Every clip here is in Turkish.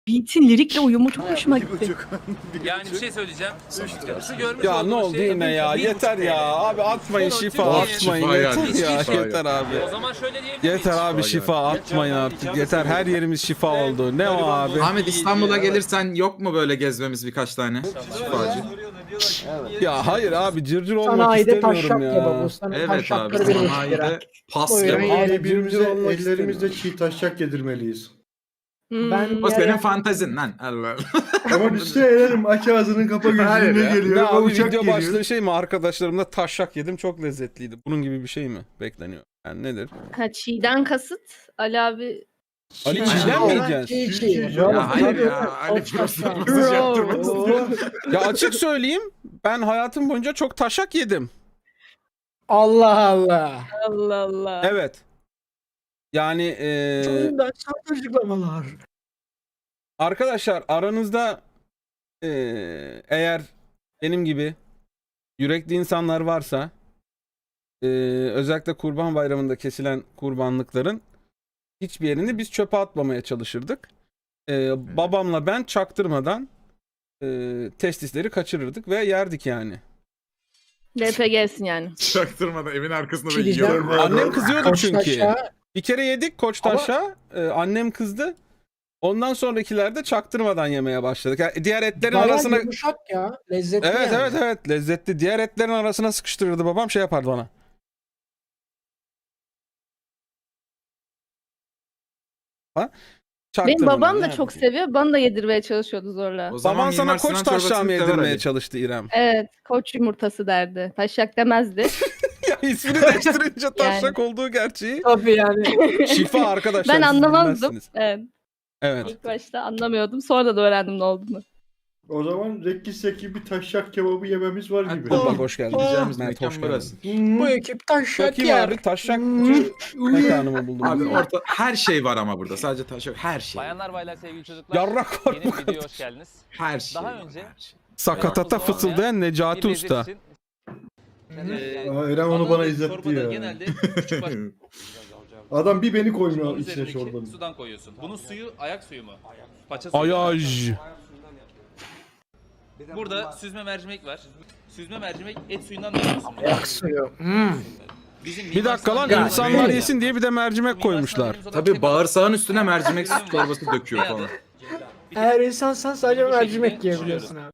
Beat'in lirikle uyumu çok hoşuma Bir gitti. buçuk. Yani bir şey söyleyeceğim. Şu görmüş Ya ne olduğunuz oldu şey yine ya? bir Yeter buçuk ya. TL. Abi atmayın Bunu şifa Türkiye- atmayın. Şifa Yeter yani, ya. şifa Yeter abi. O zaman şöyle diyebilir miyiz? Yeter abi Şifa şifa yani. atmayın artık. Yeter her yerimiz şifa oldu. Ne o abi? Ahmet İstanbul'a gelirsen yok mu böyle gezmemiz birkaç tane? Şifacı. Ya hayır abi cırcır olmak Sanayide istemiyorum taşak ya. kebabı. Sana Evet abi taşakları bir buçuk lira. sanayide pas Buyurun, kebabı. yiyelim. Abi birbirimize olmak ellerimizle çiğ taşak yedirmeliyiz. Ben O senin yere- fantezin lan. Allah. Ama biz de eğlenelim aç ağzını kapa Hayır gözünü ya. geliyor. Ne abi uçak video geliyor. başlığı şey mi? Arkadaşlarımla taşak yedim çok lezzetliydi. Bunun gibi bir şey mi bekleniyor? Yani nedir? Ha çiğden kasıt Ali abi. Ali Çiğ- çiğden mi Çiğ- yiyeceğiz? Çiğ- Çiğ- çiğ. Ya hayır Tabii, ya. Ali tabii. burası mesaj yaptırmak Bro. istiyor. Ya açık söyleyeyim ben hayatım boyunca çok taşak yedim. Allah Allah. Allah Allah. Evet. Yani Çoğundan sahte açıklamalar. arkadaşlar aranızda eğer benim gibi yürekli insanlar varsa özellikle Kurban Bayramı'nda kesilen kurbanlıkların hiçbir yerini biz çöpe atmamaya çalışırdık. Babamla ben çaktırmadan testisleri kaçırırdık ve yerdik yani. LPG'sin yani. Çaktırmadan evin arkasında Bir da şey diyeceğim. yiyor. Annem kızıyordu çünkü. Koçtaş'a Bir kere yedik Koçtaş'a. Annem kızdı. Ondan sonrakilerde çaktırmadan yemeye başladık. Yani diğer etlerin bayağı arasına yumuşak ya. Lezzetli Evet yani. evet evet lezzetli. Diğer etlerin arasına sıkıştırırdı babam şey yapardı bana. Ha? Benim Çaktırmadan babam da yani. çok seviyor. Bana da yedirmeye çalışıyordu zorla. O zaman Baban sana Mimar Sinan koç taşağı çorbasını mı sever yedirmeye Ali. çalıştı İrem? Evet. Koç yumurtası derdi. Taşak demezdi. Ya ismini değiştirince taşak olduğu gerçeği. Tabii yani. Şifa arkadaşlar. Ben siz anlamazdım. bilmezsiniz. Evet. Evet. İlk başta anlamıyordum. Sonra da öğrendim ne olduğunu. O zaman rekkiseki bir taşak kebabı yememiz var gibi. Bak hoş geldin. Gideceğimiz Mert, mekan hoş geldin. burası. Bu ekip taşak Bakayım yer. abi taşak mekanımı buldum. Abi orta her şey var ama burada. Sadece taş yok. Her şey. Bayanlar baylar sevgili çocuklar. Yarrak var Yeni bu bir videoya kadar. hoş geldiniz. Her şey. Daha var, önce- her şey. Sakatata Uzun olmayan fısıldayan Necati Bir lezzet Usta. için, Aa, İrem onu bana Anadolu izletti çorbada ya. Genelde küçük baş... Adam bir beni Bunun koymuyor içine üzerindeki çorbanın. sudan koyuyorsun. Bunun suyu ayak suyu mu? Paça suyu. mu? Ayaj. Burada süzme mercimek var. Süzme mercimek et suyundan da yapıyorsun. bunu. Ayak suyu. Bizim Bir dakika lan Mimar insanlar Sinan'ın- yesin diye bir de mercimek Mimar koymuşlar. Sinan'ın olan Tabii şey- bağırsağın üstüne mercimek çorbası döküyor Ne adı? falan. Eğer insansan sadece Bu şekilde mercimek yiyebiliyorsun abi.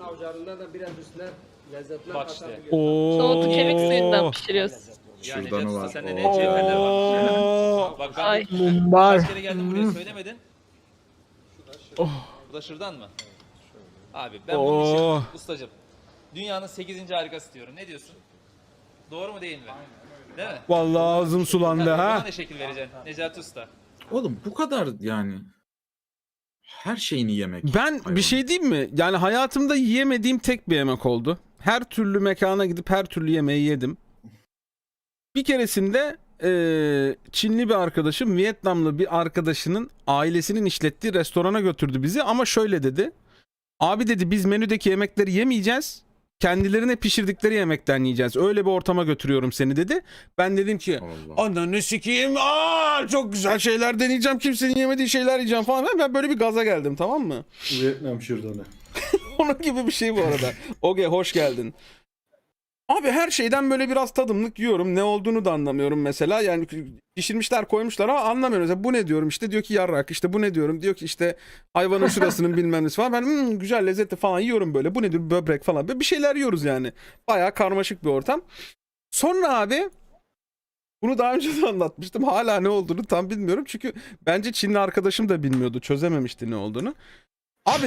Bak işte. Soğutu kemik suyundan Oo. pişiriyorsun. Yani Şuradan Necati var. Usta, sende ne cevherler var. Oo. Bak ben Ay. Mumbar. kaç kere geldim buraya söylemedin. Bu da şırdan mı? Abi ben bunun Oh. için ustacım. Dünyanın 8. harikası diyorum. Ne diyorsun? Doğru mu değil mi? Değil mi? Vallahi ağzım sulandı Tabii, ha. buna ne şekil vereceksin Necati Usta? Oğlum bu kadar yani. Her şeyini yemek. Ben bir şey diyeyim mi? Yani hayatımda yiyemediğim tek bir yemek oldu. Her türlü mekana gidip her türlü yemeği yedim. Bir keresinde Çinli bir arkadaşım Vietnamlı bir arkadaşının ailesinin işlettiği restorana götürdü bizi ama şöyle dedi. Abi dedi biz menüdeki yemekleri yemeyeceğiz. Kendilerine pişirdikleri yemekten yiyeceğiz. Öyle bir ortama götürüyorum seni dedi. Ben dedim ki Allah. ananı sikeyim. Çok güzel şeyler deneyeceğim. Kimsenin yemediği şeyler yiyeceğim falan. Ben böyle bir gaza geldim tamam mı? Vietnam şırdanı. Onun gibi bir şey bu arada. Oge hoş geldin. Abi her şeyden böyle biraz tadımlık yiyorum. Ne olduğunu da anlamıyorum mesela. Yani pişirmişler koymuşlar ama anlamıyorum. Mesela bu ne diyorum işte diyor ki yarrak. İşte bu ne diyorum diyor ki işte hayvanın şurasının bilmem nesi falan. Ben güzel lezzetli falan yiyorum böyle. Bu nedir böbrek falan. Böyle bir şeyler yiyoruz yani. Bayağı karmaşık bir ortam. Sonra abi bunu daha önce de anlatmıştım. Hala ne olduğunu tam bilmiyorum. Çünkü bence Çinli arkadaşım da bilmiyordu. Çözememişti ne olduğunu. Abi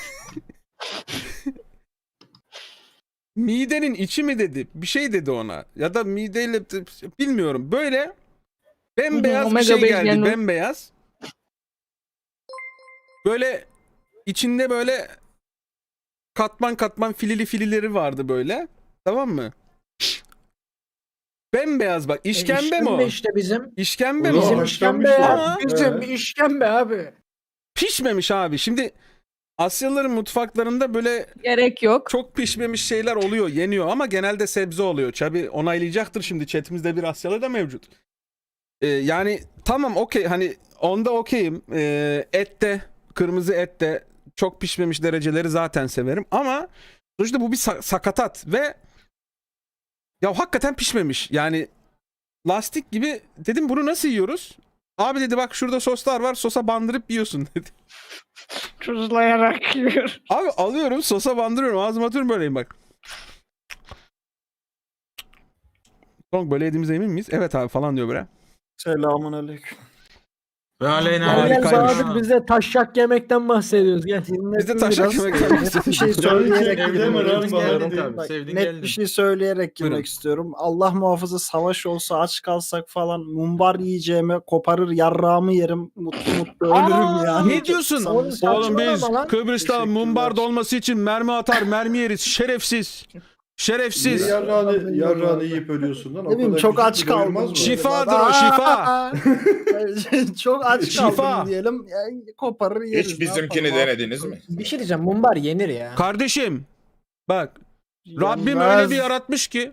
midenin içi mi dedi? Bir şey dedi ona. Ya da mideyle bilmiyorum. Böyle bembeyaz bir Omega şey beş geldi. yani. Bembeyaz. Böyle içinde böyle katman katman filili filileri vardı böyle. Tamam mı? Bembeyaz bak. İşkembe mi o? işte bizim. İşkembe mi Ulan o? Bizim haşlanmış işkembe ya. ya. Bizim Evet. işkembe abi. Pişmemiş abi. Şimdi Asyalıların mutfaklarında böyle Gerek yok. çok pişmemiş şeyler oluyor, yeniyor ama genelde sebze oluyor. Tabi onaylayacaktır şimdi chatimizde bir Asyalı da mevcut. Yani tamam okey hani onda okeyim. Ette kırmızı et de çok pişmemiş dereceleri zaten severim. Ama sonuçta bu bir sakatat ve ya hakikaten pişmemiş. Yani lastik gibi. Dedim bunu nasıl yiyoruz? Abi dedi bak şurada soslar var, sosa bandırıp yiyorsun dedi. Tuzlayarak yiyor. Abi alıyorum, sosa bandırıyorum, ağzıma atıyorum, böyleyim bak. Son böyle yediğimize emin miyiz? Evet abi falan diyor böyle. Selamun aleyküm. Ve aleyna Gel gel Harikaymış. Sadık, biz de taşak yemekten bahsediyoruz gel. Biz de taşak yemek Net bir şey söyleyerek Evde girmek mi lan istiyorum. Bahar? Bak, Sevdin net geldin. bir şey söyleyerek girmek Buyurun. istiyorum. Allah muhafaza savaş olsa, aç kalsak falan, mumbar yiyeceğime koparır yarrağımı yerim, mutlu mutlu ölürüm yani. Ne diyorsun? Samimi Oğlum saçmalama biz lan. Kıbrıs'ta Teşekkürler. mumbar dolması için mermi atar, mermi yeriz. Şerefsiz. Niye Şerefsiz. yarrağını yiyip ölüyorsun lan? O Ne bileyim, kadar çok küçük aç bir doyurmaz kaldım. mı? Şifadır o, şifa. Çok aç Şifa. kaldım diyelim. Yani koparır yeriz. Hiç ne bizimkini yapalım? denediniz mi? Bir şey diyeceğim, mumbar yenir ya. Kardeşim bak, Rabbim Yenmez. öyle bir yaratmış ki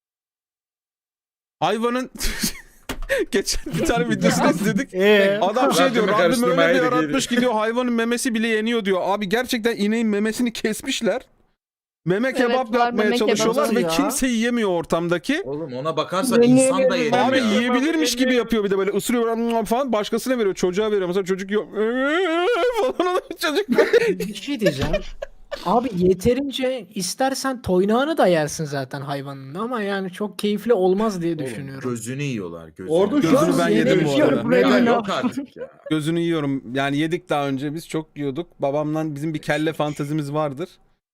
hayvanın geçen bir tane videosunu izledik. Adam şey diyor, Rabbimi Rabbim öyle bir karıştırmaya yaratmış ki diyor hayvanın memesi bile yeniyor diyor. Abi gerçekten ineğin memesini kesmişler. Meme kebap var, yapmaya meme çalışıyorlar kebabı ve ya. kimse yiyemiyor ortamdaki. Oğlum ona bakarsan insan da yenir Abi ya. yiyebilirmiş gibi yapıyor, bir de böyle ısırıyor falan, başkasına veriyor, çocuğa veriyor. Mesela çocuk yiyor falan oluyor çocuk. Bir şey diyeceğim. Abi yeterince istersen toynağını da yersin zaten hayvanın, ama yani çok keyifli olmaz diye Oğlum, düşünüyorum. gözünü yiyorlar gözünü. Orada şu Gözünü an ben yedim bu arada. Ya yok artık ya. Gözünü yiyorum. Yani yedik daha önce, biz çok yiyorduk. Babamla bizim bir kelle fantezimiz vardır.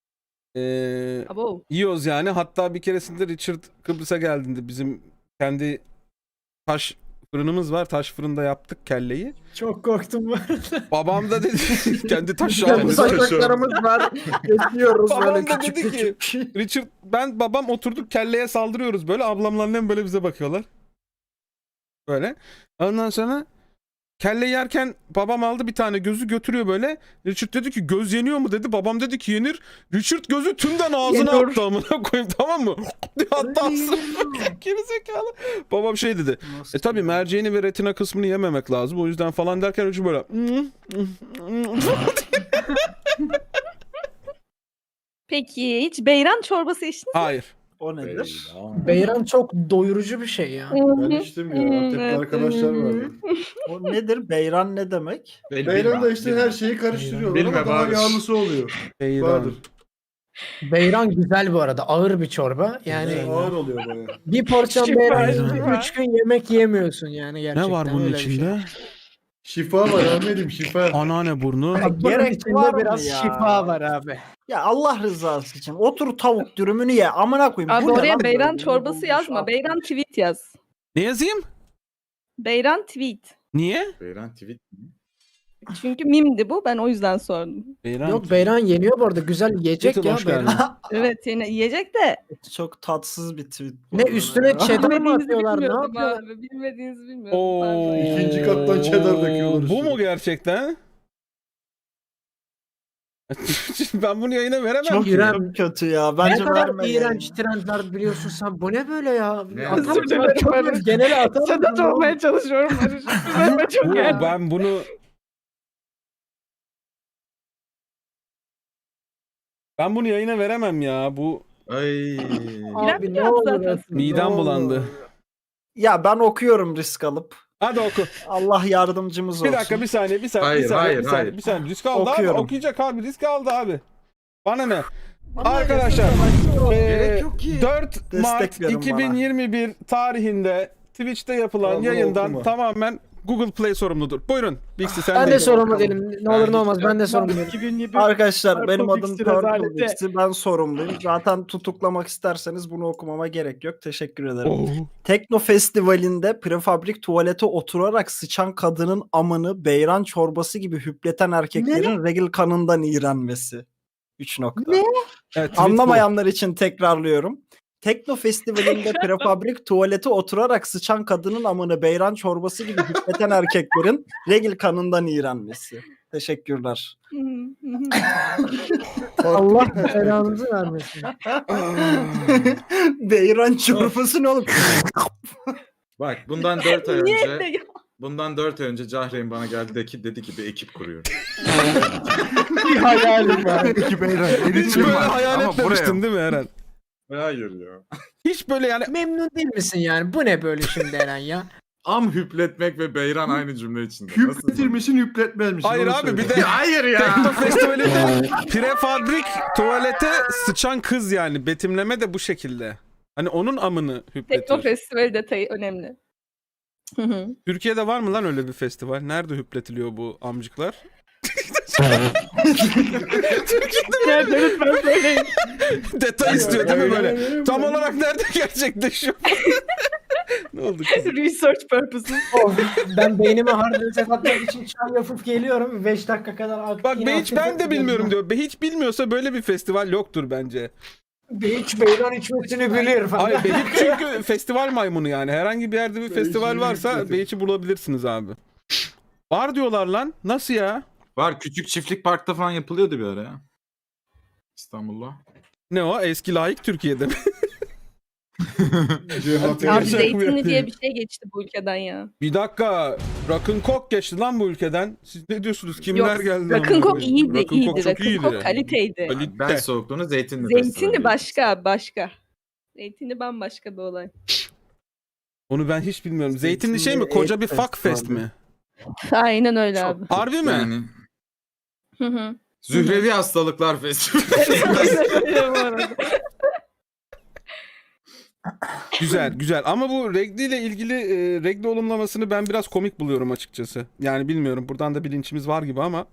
Abo. Yiyoruz yani. Hatta bir keresinde Richard Kıbrıs'a geldiğinde bizim kendi taş fırınımız var. Taş fırında yaptık kelleyi. Çok korktum bu arada. Babam da dedi kendi taş Kendi aldı. saçaklarımız var. Geçiyoruz Babam böyle da küçük dedi ki, küçük. Richard, babam oturduk kelleye saldırıyoruz böyle. Ablamla annem böyle bize bakıyorlar. Böyle. Ondan sonra kelle yerken babam aldı bir tane, gözü götürüyor böyle. Richard dedi ki göz yeniyor mu dedi. Babam dedi ki yenir. Richard gözü tümden ağzına Yeniyor. attı amına koyayım, tamam mı? Hatta ağzına gerizekalı. Babam şey dedi. Tabii merceğini ve retina kısmını yememek lazım. O yüzden falan derken Richard böyle. Peki hiç beyran çorbası içtiniz Hayır. O nedir? Beyran çok doyurucu bir şey ya. Ben içtim ya. Antepli arkadaşlar vardı. O nedir? Beyran ne demek? Beyran da işte her şeyi karıştırıyorlar Bilmem ama daha abi. yağlısı oluyor. Beyran. Vardır. Beyran güzel bu arada. Ağır bir çorba. Yani Ağır oluyor bayağı. bir porsiyon Şifa, beyran şifa. 3 gün yemek yiyemiyorsun yani gerçekten. Ne var bunun öyle bir şey. içinde? Şifa var Ahmet'im, şifa. Anneanne burnu. Bak, Gerek gerek içinde var mı biraz ya? şifa var abi. Ya Allah rızası için otur tavuk dürümünü ye. Amına koyayım. Abi Bu ne oraya lan beyran böyle? çorbası Bulmuş yazma. at. Beyran tweet yaz. Ne yazayım? Beyran tweet. Niye? Beyran tweet mi? Çünkü mimdi bu. Ben o yüzden sordum. Beyran. Yok, beyran yeniyor bu arada. Güzel yiyecek Twitter, ya hoş geldin. beyran. Evet yine yiyecek de. Çok tatsız bir tweet. bu Ne arada üstüne ya. cheddar mı Bilmediğinizi atıyorlar? Ne bilmiyordum yapıyorlar? abi. Bilmediğinizi bilmiyordum. Oo. Pardon. İkinci kattan cheddar döküyorlar Bu üstüne. mu gerçekten? Ben bunu yayına veremem Çok ki. İrem- kötü ya. Ne Bence kadar verme iğrenç yani. trendler biliyorsun sen. Bu ne böyle ya? Ne? Atar Özür mısın? dilerim Çok Barış. genele atar mısın? Sedat olmaya çalışıyorum. Barış. Üzerime çok geldi. Ben bunu yayına veremem ya. Bu Ay. Abi ne İrem olur zaten. ya. midem Ne bulandı. olur. Ya ben okuyorum risk alıp. Hadi oku. Allah yardımcımız olsun. Bir dakika, bir saniye, bir saniye, Hayır, bir saniye, hayır, bir saniye, hayır. bir saniye. Risk aldı abi. Okuyorum. Okuyacak abi. Risk aldı abi. Bana ne? Arkadaşlar, Gerek yok ki. 4 Mart Destek verin bana. 2021 tarihinde Twitch'te yapılan Vallahi yayından okuma. tamamen Google Play sorumludur. Buyurun. Bixi sen Ben de. de sorumlu değilim. Ne olur ne olmaz ben de sorumlu değilim. 2020 Arkadaşlar benim Purple adım Pixie Purple rezaleti. Pixie. Ben sorumluyum. Zaten tutuklamak isterseniz bunu okumama gerek yok. Teşekkür ederim. Oh. Tekno Festivali'nde prefabrik tuvalete oturarak sıçan kadının amını beyran çorbası gibi hüpleten erkeklerin regl kanından iğrenmesi. 3 nokta. Ne? Evet, tweet Anlamayanlar için tekrarlıyorum. Tekno Festivali'nde prefabrik tuvalete oturarak sıçan kadının amını beyran çorbası gibi hüpleten erkeklerin regl kanından iğrenmesi. Teşekkürler. Allah belanızı vermesin. Beyran çorbası ne oğlum? Bak bundan 4 ay Niye önce de ya? Bundan 4 ay önce Cahreyn bana geldi dedi ki bir ekip kuruyor. Bir hayalim var. Peki Beyran. Hiç böyle var. hayal Ama etmemiştin değil mi Eren? Hayır ya. Hiç böyle yani Memnun değil misin yani? Bu ne böyle şimdi Eren ya? Am hüpletmek ve Beyran aynı cümle içinde. Nasıl? Hüpletir misin hüpletmez misin? hayır Onu abi söyle. bir de Hayır ya. Tekno Festivali'nde prefabrik tuvalete sıçan kız yani betimleme de bu şekilde. Hani onun amını Tekno hüpletiyor. Festival detayı önemli. Hı hı. Türkiye'de var mı lan öyle bir festival? Nerede hüpletiliyor bu amcıklar? Nerede lütfen söyleyin. Detay istiyor değil mi böyle? Tam olarak nerede gerçekleşiyor? Ne oldu kızım? Research purposes. Of, ben beynime hard reset atmak için çay yapıp geliyorum. 5 dakika kadar Bak ben de bilmiyorum diyor. Hiç bilmiyorsa böyle bir festival yoktur bence. Hiç beyran içmesini bilir falan. Hayır Behiç çünkü festival maymunu yani. Herhangi bir yerde bir festival varsa Behiç'i bulabilirsiniz abi. Var diyorlar lan. Nasıl ya? Var, küçük çiftlik parkta falan yapılıyordu bir ara ya. İstanbul'da. Ne o? Eski layık Türkiye'de mi? Cihat Abi Gerçek zeytinli mi? diye bir şey geçti bu ülkeden ya. Bir dakika. Rock'n'Coke geçti lan bu ülkeden. Siz ne diyorsunuz? Kimler Yok, geldi? Rock'n'Coke iyiydi, Rock'n'Coke iyiydi. çok iyiydi. Rock'n'Coke kaliteydi. Ben Kalite. soğukluğunu zeytinli Zeytinli başka. Zeytinli bambaşka bir olay. Onu ben hiç bilmiyorum. Zeytinli şey mi? Zeytinli Koca bir et fuck fest festivali. mi? Aynen öyle abi. Harbi mi? Yani Hı hı. Zührevi Hastalıklar Festivali. Bu arada. Güzel. Ama bu regli ile ilgili regli olumlamasını ben biraz komik buluyorum açıkçası. Yani bilmiyorum. Buradan da bilinçimiz var gibi ama.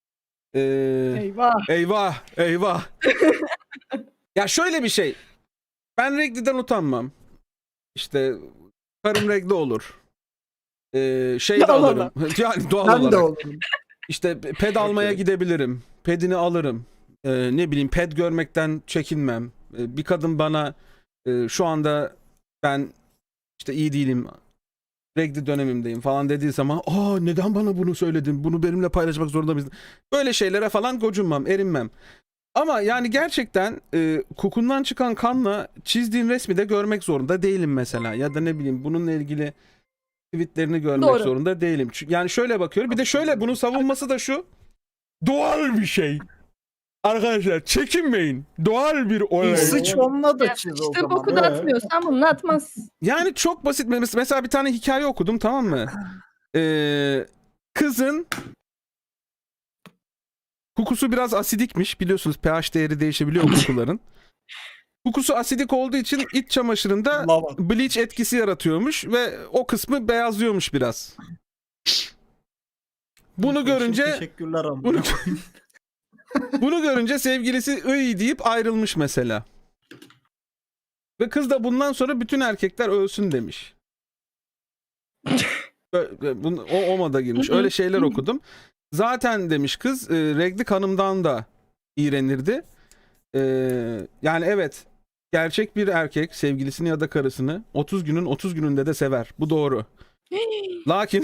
Eyvah. Eyvah. Ya şöyle bir şey. Ben regliden utanmam. İşte karım regli olur. Şey de Doğal alırım. Yani doğal Ben de olarak. olurum. İşte ped almaya gidebilirim. Pedini alırım. Ne bileyim ped görmekten çekinmem. Bir kadın bana şu anda ben işte iyi değilim. Regli dönemimdeyim falan dediği zaman neden bana bunu söyledin? Bunu benimle paylaşmak zorunda mıydın? Böyle şeylere falan gocunmam, erinmem. Ama yani gerçekten kokundan çıkan kanla çizdiğin resmi de görmek zorunda değilim mesela. Ya da ne bileyim bununla ilgili tweetlerini görmek Doğru. zorunda değilim. Yani şöyle bakıyorum. Bir de şöyle bunun savunması da şu. Doğal bir şey. Arkadaşlar çekinmeyin. Doğal bir olay. Sıç onunla da Ya, çiz o İşte zaman. boku da atmıyorsan bunu atmaz. Yani çok basit. Mesela bir tane hikaye okudum, tamam mı? Kızın kokusu biraz asidikmiş. Biliyorsunuz pH değeri değişebiliyor kokuların. Kokusu asidik olduğu için iç çamaşırında Lava. bleach etkisi yaratıyormuş ve o kısmı beyazlıyormuş biraz. Bunu görünce Teşekkürler ama. bunu görünce sevgilisi ıy deyip ayrılmış mesela. Ve kız da bundan sonra bütün erkekler ölsün demiş. O moda girmiş. Öyle şeyler okudum. Zaten demiş kız regli kanımdan da iğrenirdi. Yani evet, gerçek bir erkek sevgilisini ya da karısını 30 günün 30 gününde de sever. Bu doğru. Lakin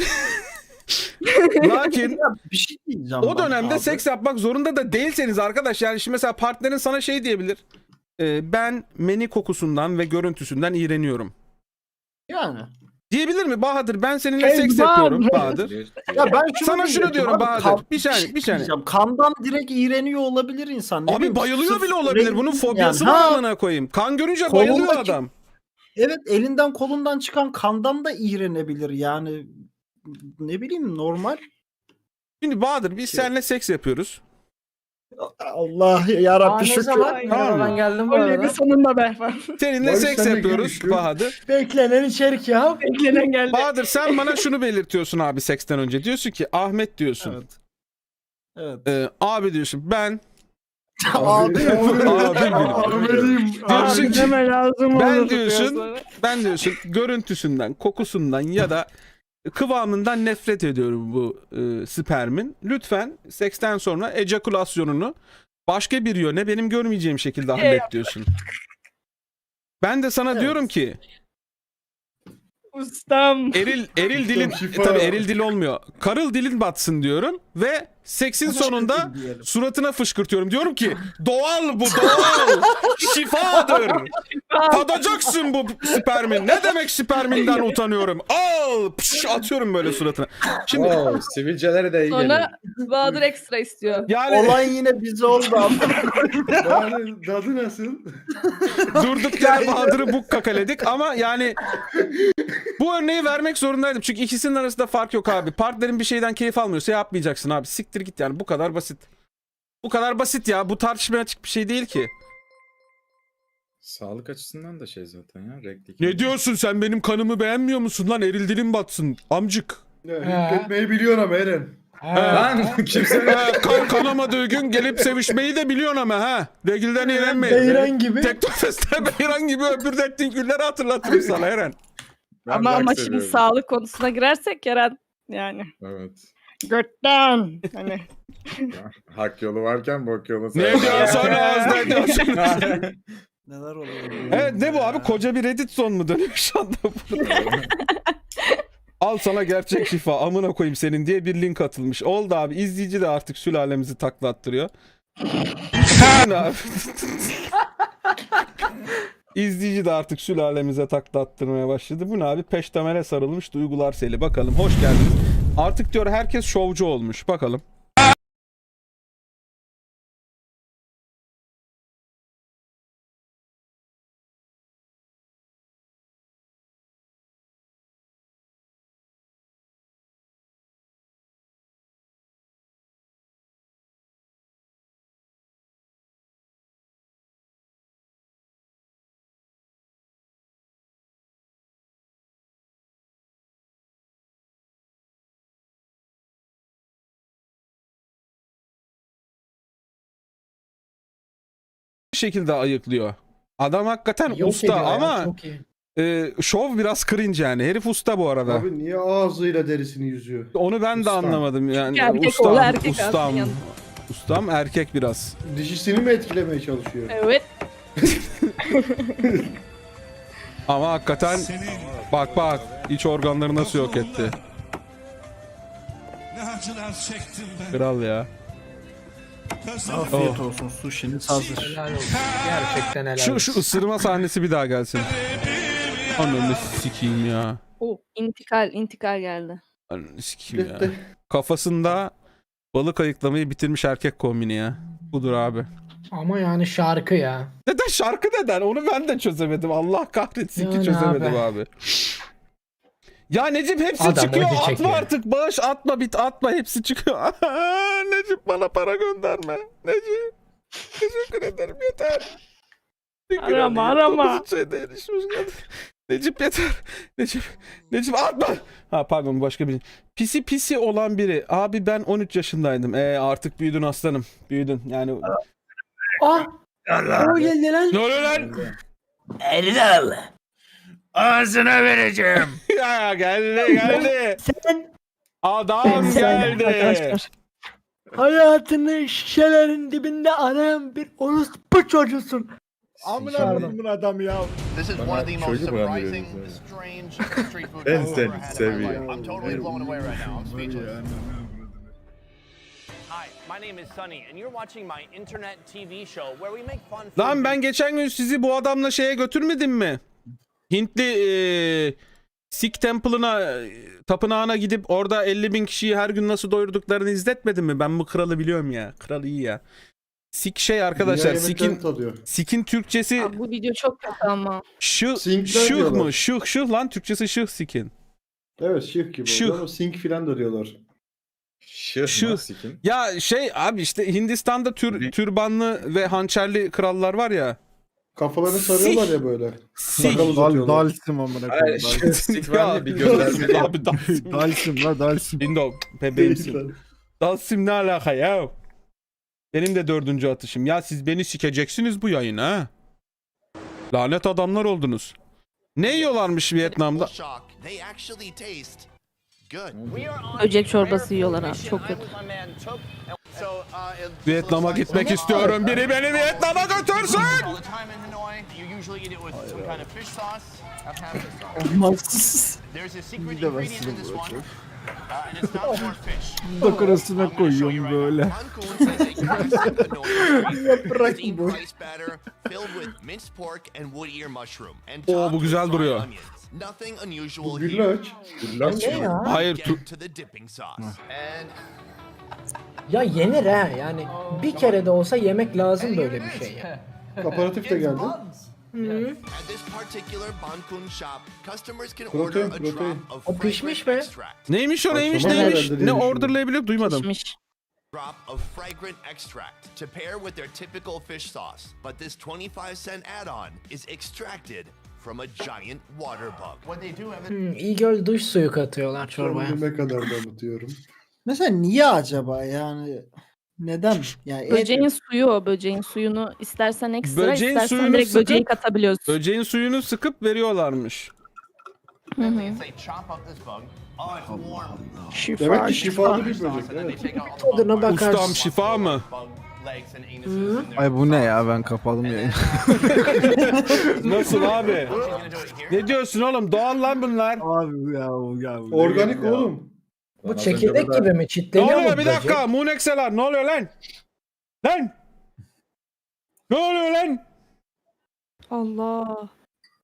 Bir şey diyeceğim. o ben dönemde abi. seks yapmak zorunda da değilseniz arkadaş, yani şimdi mesela partnerin sana şey diyebilir. Ben meni kokusundan ve görüntüsünden iğreniyorum. Yani. Diyebilir mi Bahadır? Ben seninle Eyvah! seks yapıyorum Bahadır. Ya ben şunu Sana şunu diyecektim diyorum abi, Bahadır. Bir saniye. diyeceğim. Kandan direkt iğreniyor olabilir insan. Ne Abi bileyim, bayılıyor sırf bile olabilir. renk- Bunun fobiyası yani. var Ha, amına koyayım. Kan görünce Kolundaki- bayılıyor adam. Evet, elinden kolundan çıkan kandan da iğrenebilir yani. Ne bileyim, normal. Şimdi Bahadır biz seninle seks yapıyoruz. Allah yarabbi Ne şükür. zaman? Tamam mı? Ben geldim bu Öyle bir arada. sonunda be. Seninle Barış, seks sen de yapıyoruz görüşürüz. Bahadır. Beklenen içerik ya. Beklenen geldi. Bahadır sen bana şunu belirtiyorsun abi seksten önce. Diyorsun ki Ahmet diyorsun. Evet. Evet. Abi diyorsun ben Abi. Ahmet'im. Diyorsun ki, Deme lazım ben olur diyorsun- biraz sonra. ben diyorsun görüntüsünden, kokusundan ya da kıvamından nefret ediyorum bu spermin. Lütfen seksten sonra ejakülasyonunu başka bir yöne benim görmeyeceğim şekilde hallet diyorsun. Ben de sana Evet. diyorum ki Ustam. Eril dilin şifa. tabii eril dil olmuyor. Karıl dilin batsın diyorum ve seksin sonunda diyelim. suratına fışkırtıyorum. Diyorum ki doğal bu doğal. Şifadır. Tadacaksın bu spermin. Ne demek sperminden utanıyorum. Al pış, atıyorum böyle suratına. Şimdi Oo, sivilcelere de iyi geliyor. Sonra Bahadır ekstra istiyor. yani Olay yine bize oldu ama. Dadı nasıl? durduk yere Bahadır'ı buk kakaledik ama yani bu örneği vermek zorundaydım. Çünkü ikisinin arasında fark yok abi. Partnerin bir şeyden keyif almıyorsa yapmayacaksın abi. Siktir git yani bu kadar basit. Bu kadar basit ya. Bu tartışmaya açık bir şey değil ki. Sağlık açısından da şey zaten ya. Renkli. Ne diyorsun sen benim kanımı beğenmiyor musun lan? Eril dilim batsın amcık. Hükmetmeyi biliyorsun ama Eren. Lan kimse Kan kanamadığı gün gelip sevişmeyi de biliyorsun ama ha. Regilden iğrenmeyin. Beyran gibi. Teknofest'te Beyran gibi öpürdettiğin günleri hatırlatırım sana Eren. Ama şimdi sağlık konusuna girersek Eren yani. Evet. Götten. Hani. Hak yolu varken bok yolu. Ne diyorsun az ne diyorsun? Neler oluyor? Evet ne bu abi? Koca bir Reddit son mu dönüyor şu anda burada? Al sana gerçek şifa amına koyayım senin diye bir link atılmış. Oldu abi izleyici de artık sülalemizi taklattırıyor. İzleyici de artık sülalemize taklattırmaya başladı. Bu ne abi? Peştemele sarılmış duygular seli. Bakalım hoş geldiniz. Artık diyor herkes şovcu olmuş. Bakalım. Bir şekilde ayıklıyor. Adam hakikaten Yok usta ediyor ya, ama çok iyi. şov biraz cringe yani. Herif usta bu arada. Abi niye ağzıyla derisini yüzüyor? Onu ben de Ustam. anlamadım yani. Erkek ustam, oğlu erkek ustam. aslında yanında. Ustam erkek biraz. Dişisini mi etkilemeye çalışıyor? Evet. Ama hakikaten bak bak iç organları nasıl yok etti. Ne acılar çektim ben. Kral ya. Afiyet olsun. Sushi'niz hazır. Helal olsun. Gerçekten helal Şu olsun. ısırma sahnesi bir daha gelsin. Ananı sikeyim ya. İntikal geldi. Ananı sikeyim ya. Kafasında balık ayıklamayı bitirmiş erkek kombini ya. Budur abi. Ama yani şarkı ya. Neden şarkı neden? Onu ben de çözemedim. Allah kahretsin ki Yani çözemedim abi. abi. Ya Necip hepsi Adam çıkıyor. acı Atma çekiyor. artık. Bağış atma bit atma. Hepsi çıkıyor. Necip bana para gönderme. Necip. Teşekkür ederim yeter. Arama. Necip yeter. Necip atma. Ha pardon başka biri. Pisi olan biri. Abi ben 13 yaşındaydım. Artık büyüdün aslanım. Büyüdün. Yani Ah! O geldi lan. ne oluyor lan? Ağzına vereceğim. Ya geldi. Adam geldi. Arkadaşlar. Hayatını şişelerin dibinde arayan bir orospu çocuğusun. Amına Pardon. koyayım adam ya. This is Bana one of the most çocuk surprising, brandiriyorsunuz strange street food Ben I've seni ever had in my seviyorum. life. I'm totally blown away right now. I'm speechless. Hi, my name is Sunny, and you're watching my internet TV show where we make fun. Lan ben geçen gün sizi bu adamla şeye götürmedim mi? Hintli Sikh Temple'ına, tapınağına gidip orada 50.000 kişiyi her gün nasıl doyurduklarını izletmedim mi? Ben bu kralı biliyorum ya. Kral iyi ya. Sikh şey arkadaşlar. Dünya yemeklerini tadıyor. Sikh'in Türkçesi Abi bu video çok kötü ama. Sinkler şıh diyorlar. mı? Şıh lan Türkçesi şıh Sikh'in. Evet şık gibi. Şık. Ama sink filan da diyorlar. Şıh Şu- mı sikin? Ya şey abi işte Hindistan'da türbanlı ve hançerli krallar var ya. Kafalarını sarıyorlar ya böyle. Sikh. Sakal uzatıyorlar. Dalsim amına Ay, koyayım. şıh sik var ya bir gönderme. Abi Dalsim. Dalsim la Dalsim. Indo bebeğimsin. Dalsim ne alaka ya? Benim de 4. atışım. Ya siz beni sikeceksiniz bu yayın ha. Lanet adamlar oldunuz. Ne yiyorlarmış Vietnam'da? Shock. They actually taste good. Böcek çorbası yiyorlar abi. Çok kötü. Vietnam'a gitmek istiyorum. Biri beni Vietnam'a götürsün. All the time in Hanoi, you usually eat it with some kind of fish sauce. I've had fish sauce. Olmazsız. There's a secret ingredient in this one. And it's not more fish. Dokurasına koyuyorum böyle. Bancoon is a classic Hanoi Yaprak steamed bu. rice batter filled with minced pork and wood ear mushroom and Oo, topped bu güzel with duruyor. fried onions. Nothing unusual Bu here. güllaç. Ne ya? Hayır, Get to the dipping sauce. And Ya yenir ha yani bir kere de olsa yemek lazım böyle bir şey ya. Aparatif de geldi. at this particular Bancoon shop, customers can Protein, order a protein. drop of O pişmiş fragrant mi? extract. Neymiş o neymiş Akşama neymiş? herhalde Ne diye orderlayabilir duymadım. Pişmiş. Drop of fragrant extract to pair with their typical fish sauce. But this 25-cent add-on is extracted from a giant water bug. What they do, Evan? İgöl duş suyu katıyorlar çorbaya. Sonuna kadar da unutuyorum. Mesela niye acaba yani? Neden? Yani Böceğin suyu o. Böceğin suyunu istersen ekstra, Böceğin istersen suyunu direkt böceği sıkıp- katabiliyorsun. Böceğin suyunu sıkıp veriyorlarmış. They chop up this bug. Oh, it's warm. Demek ki şifalı bir böcek. Evet. Tadına bakarsın. Ustam şifa mı? Bug legs and anuses in there. Ay bu ne ya, ben kapadım yayını. Nasıl abi? She's gonna do it here. Ne diyorsun oğlum? Doğal lan bunlar. Abi ya. Organik oğlum. Bu çekirdek gibi mi? Ne Çitleniyor mu oluyor bir böcek? dakika? Moonexeler ne oluyor lan? Lan! Ne oluyor lan? Allah.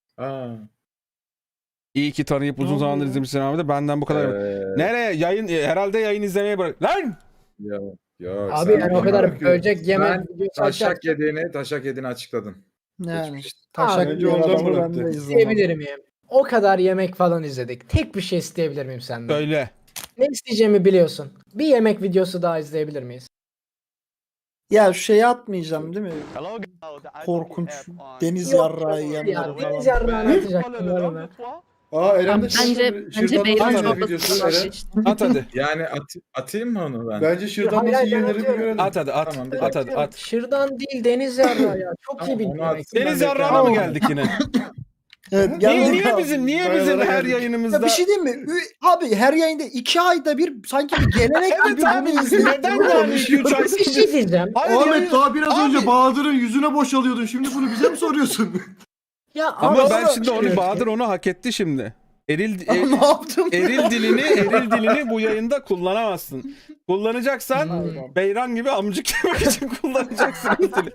İyi ki tanıyıp uzun zamandır izlemişsin abi de benden bu kadar. Nereye? Yayın herhalde yayın izlemeye bırak. Lan! Abi yani o kadar bırakıyor. böcek yeme Ben videosu açar. taşak yediğini açıkladım. Yani Geçmiş. taşak Bence yiyen ondan adamı ben bıraktı. de izlemem. İsteyebilir miyim? O kadar yemek falan izledik. Tek bir şey isteyebilir miyim senden? Söyle. Ne isteyeceğimi biliyorsun. Bir yemek videosu daha izleyebilir miyiz? Ya şu şeyi atmayacağım değil mi? Korkunç deniz yarrağı Ya yiyenler deniz falan. yarrağını atacaktım var mı? Aa Eren de Bence Beyran nasıl çorbası videosu Eren. At hadi. Yani atayım mı onu ben? Bence şırdan Hayır, nasıl hayır, ben yenir bir atıyorum. görelim. At hadi at. Tamam, bir At hadi at. Şırdan değil deniz yarrağı ya. Çok iyi Tamam, bir onu yemek. atsın. Deniz Ben yarrağına mı bekliyorum. geldik yine? Evet, Niye, geldik niye abi. bizim Dayalara her geldik. yayınımızda? Ya bir şey diyeyim mi? Abi her yayında 2 ayda bir sanki bir gelenek gibi Evet abi, bunu izleyip neden yani 2-3 ay Bir şey diyeceğim. Hayır, Ahmet yayın- daha biraz Abi- önce Bahadır'ın yüzüne boşalıyordun. Şimdi bunu bize mi soruyorsun? Ya Ama abi, ben onu- şimdi onu Bahadır onu hak etti şimdi. ne yaptım? Eril dilini bu yayında kullanamazsın. Kullanacaksan Beyran gibi amcık yemek için kullanacaksın o dili.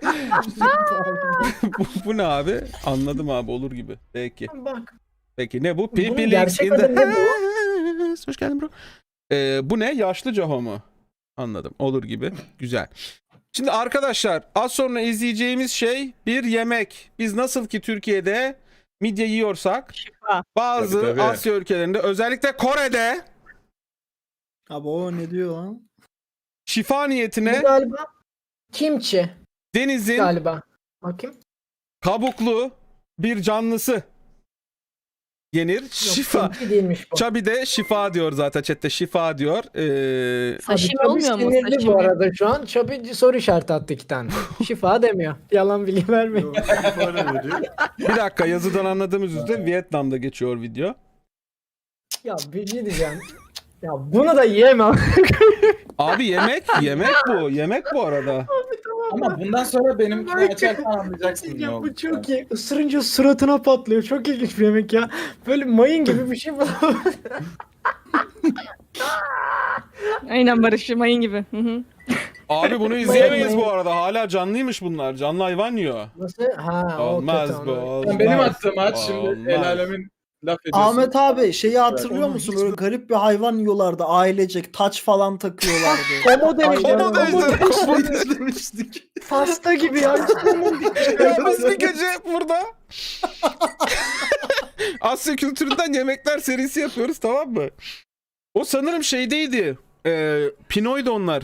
bu ne abi? Anladım abi, olur gibi. Peki. Bak. Peki ne bu? Bunun Pipi gerçek adı ne bu? Hoş geldin bro. Bu ne? Yaşlı Caho mu? Anladım. Olur gibi. Güzel. Şimdi arkadaşlar az sonra izleyeceğimiz şey bir yemek. Biz nasıl ki Türkiye'de midye yiyorsak Şifa. bazı Tabii. Asya ülkelerinde özellikle Kore'de Abi o ne diyor lan? şifa Bu niyetine galiba kimçi denizin galiba. Bakayım. kabuklu bir canlısı yenir. Yok, Şifa. kimçi değilmiş bu. Çabi de şifa diyor zaten chatte, şifa diyor. Sashimi Abi, olmuyor mu? sinirli Sashimi. bu arada şu an. Çabi soru işareti attı 2 tane. Şifa demiyor. Yalan bilgi vermeyin. Bir dakika, yazıdan anladığımız üzere Vietnam'da geçiyor video. Ya bir şey diyeceğim. Ya bunu da yiyemem. Abi yemek bu. Yemek bu arada. Ama bundan sonra benim açarken anlayacaksın ne Ya oldu. bu çok iyi. Isırınca suratına patlıyor. Çok ilginç bir yemek ya. Böyle mayın gibi bir şey bu. Aynen Barış, mayın gibi. Hı hı. Abi bunu izleyemeyiz bu arada. Hala canlıymış bunlar. Canlı hayvan yiyor. Nasıl? Ha, o Olmaz kötü, bu. onu- Olmaz. Benim attığım aç şimdi Olmaz. el alemin laf ediyorsun. Ahmet abi şeyi hatırlıyor Onu musun? hiç- Böyle garip bir hayvan yiyorlardı ailecek. Taç falan takıyorlardı. Komo demiş. Komo demiş. Komo izlemiştik. Pasta gibi ya. Ya biz bir gece burada Asya kültüründen yemekler serisi yapıyoruz, tamam mı? O sanırım şeydeydi. Pinoy'du onlar.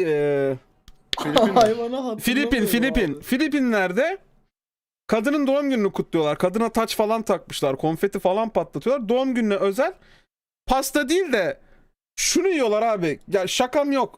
Hayvana hatırlamıyorum abi. Filipinler'de kadının doğum gününü kutluyorlar. Kadına taç falan takmışlar. Konfeti falan patlatıyorlar. Doğum gününe özel. Pasta değil de şunu yiyorlar abi. Ya şakam yok.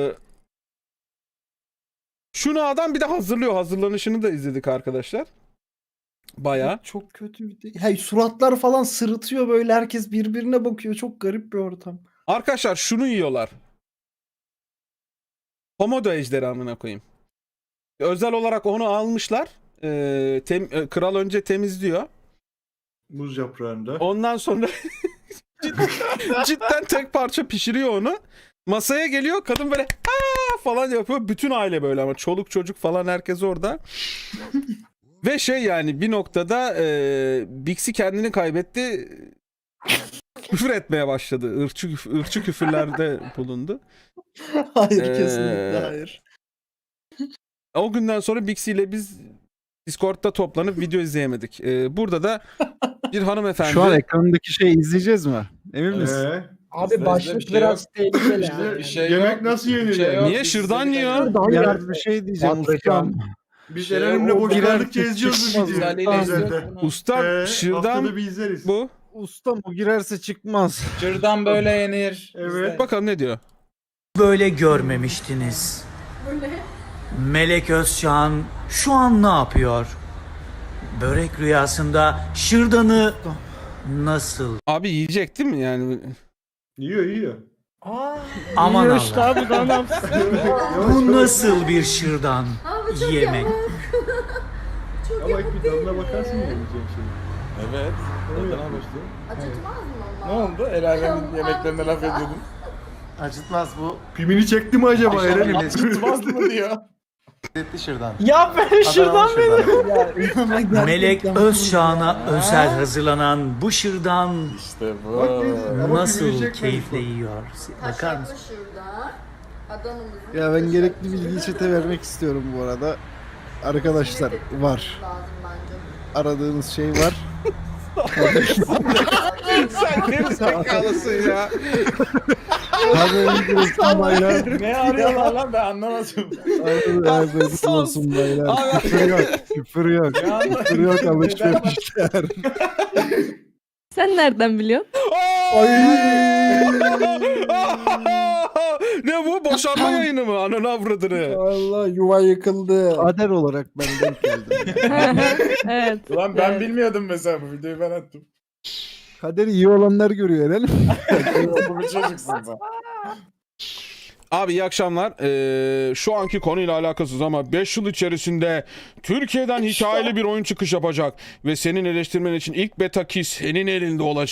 Şunu adam bir de hazırlıyor. Hazırlanışını da izledik arkadaşlar. Bayağı. Çok kötü bir şey. Hey, suratlar falan sırıtıyor böyle, herkes birbirine bakıyor. Çok garip bir ortam. Arkadaşlar şunu yiyorlar. Komodo ejderi amına koyayım. Özel olarak onu almışlar. Kral önce temizliyor. Muz yaprağında. Ondan sonra cidden tek parça pişiriyor onu. Masaya geliyor, kadın böyle aa falan yapıyor. Bütün aile böyle ama çoluk çocuk falan herkes orada. Ve şey yani bir noktada Bixi kendini kaybetti. Küfür etmeye başladı. Irkçı küfürlerde bulundu. Hayır Ee, kesinlikle hayır. O günden sonra Bixi ile biz Discord'da toplanıp video izleyemedik. Burada da bir hanımefendi. Şu an ekrandaki şeyi izleyeceğiz mi? Emin misin? Abi başlık biraz tehlikeli. İşte yemek nasıl yenir yani? Niye şırdan yiyor? Ya bir şey diyeceğim ustam. Biz Eren'imle boş kaldıkça izliyoruz bu çıkmaz videoyu. ya. Özelde. Ustam şırdan Haftada bir izleriz. bu. Ustam o girerse çıkmaz. Şırdan böyle yenir. Evet. Bakalım ne diyor. Böyle görmemiştiniz. Melek Özçağan şu an ne yapıyor? Börek rüyasında şırdanı nasıl? Abi yiyecek değil mi yani? Yiyor. Aman Yiyor işte Allah. abi daha ne yapsın? Bu nasıl bir şırdan yemek? Ama ilk bir tadına bakarsın mı yiyeceğin şey? Evet. Tadına başlıyor. Ne oldu? El alemin yemeklerine laf ediyordun. Acıtmaz bu. Pimini çekti mi acaba Eren'im? Tutmaz mı diyor? Etli şırdan. Ya ben şuradan benim. Melek Özçağan'a özel hazırlanan bu şırdan İşte bu. Bak ama pimini nasıl çekmemiş keyifle bak. yiyor? Bakar mısın? Ya ben gerekli bilgiyi chat'e vermek istiyorum bu arada. Arkadaşlar var. Aradığınız şey var. Sen geri zekalısın ya. Haberiniz olsun baylar. Ne arıyorlar lan ben anlamadım. Haberiniz olsun baylar. Küfür yok. Küfür yok. Küfür yok alışverişler. Sen nereden biliyorsun? Ne bu? Boşanma yayını mı? Ananı avradını. Allah yuva yıkıldı. Kader olarak ben denk geldim. Evet. Ulan ben Evet. bilmiyordum mesela bu videoyu ben attım. Kaderi iyi olanlar görüyor Eren. Bu bir çocuksun sen. Abi iyi akşamlar. Şu anki konuyla alakasız ama 5 yıl içerisinde Türkiye'den hikayeli bir oyun çıkış yapacak. Ve senin eleştirmen için ilk beta key senin elinde olacak.